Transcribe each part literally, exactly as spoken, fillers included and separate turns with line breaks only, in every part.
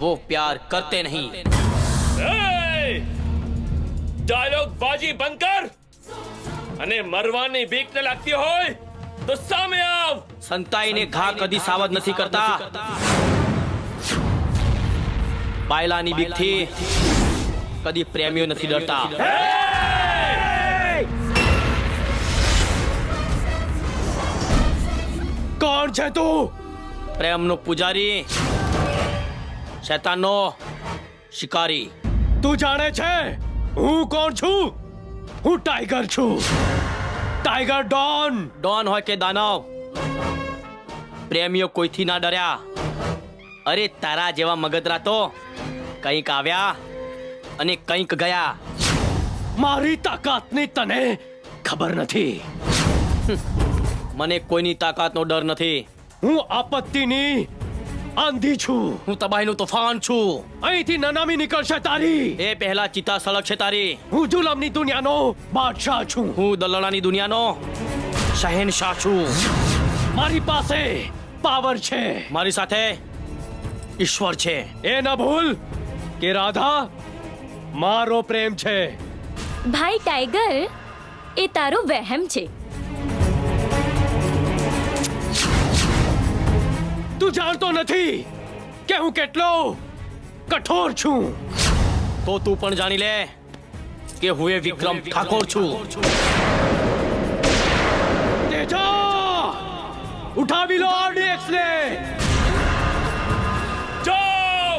वो प्यार करते नहीं।
डायलॉग बाजी બંધ કર અને મરવાની બીક ન લાગતી હોય તો સામે આવ।
સંતાઈને ઘા કદી સાવધ નથી કરતા। પાયલાની બીકથી કદી પ્રેમીઓ નથી ડરતા।
કોણ છે તું?
પ્રેમનો પૂજારી, શૈતાનનો શિકારી।
તું જાણે છે હું કોણ છું? હું ટાઈગર છું, ટાઈગર ડોન।
ડોન હોય કે દાનવ, પ્રેમીઓ કોઈથી ના ડર્યા। અરે તારા જેવા મગદરા તો કંઈક આવ્યા અને કંઈક ગયા।
મારી તાકાતની તને ખબર નથી।
મને કોઈની તાકાતનો ડર નથી।
હું આપત્તિની આંધી છું।
હું તબાહીનું તોફાન છું।
અહીંથી નનામી નીકળશે તારી।
એ પહેલા ચિતા સળગશે તારી।
હું જુલમની દુનિયાનો બાદશાહ છું।
હું દલાલાની દુનિયાનો શહેનશાહ છું।
મારી પાસે પાવર છે।
મારી સાથે ઈશ્વર છે।
એ ન ભૂલ કે રાધા મારો પ્રેમ છે।
ભાઈ ટાઈગર, એ તારો વહેમ છે।
તું જાણતો નથી કે હું કેટલો કઠોર છું।
તો તું પણ જાણી લે કે હું એ વિક્રમ ઠાકોર છું।
તેજા ઉઠાવી લો આરડીએક્સ ને।
જાઓ।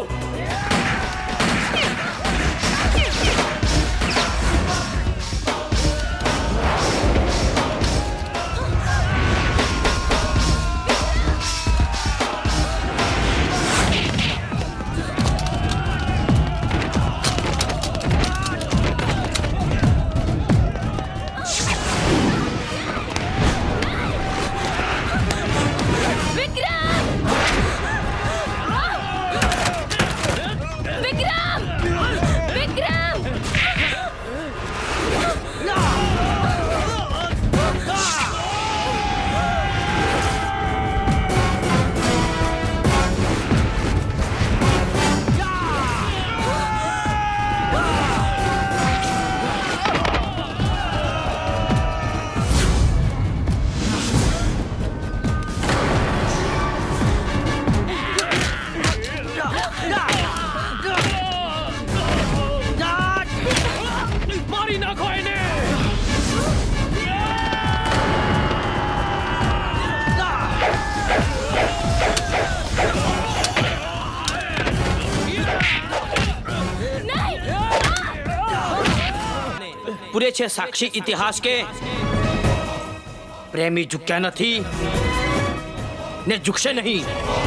મારી નાખો એને।
પૂરે છે સાક્ષી ઇતિહાસ કે પ્રેમી ઝુક્યા નથી ને ઝુકશે નહીં।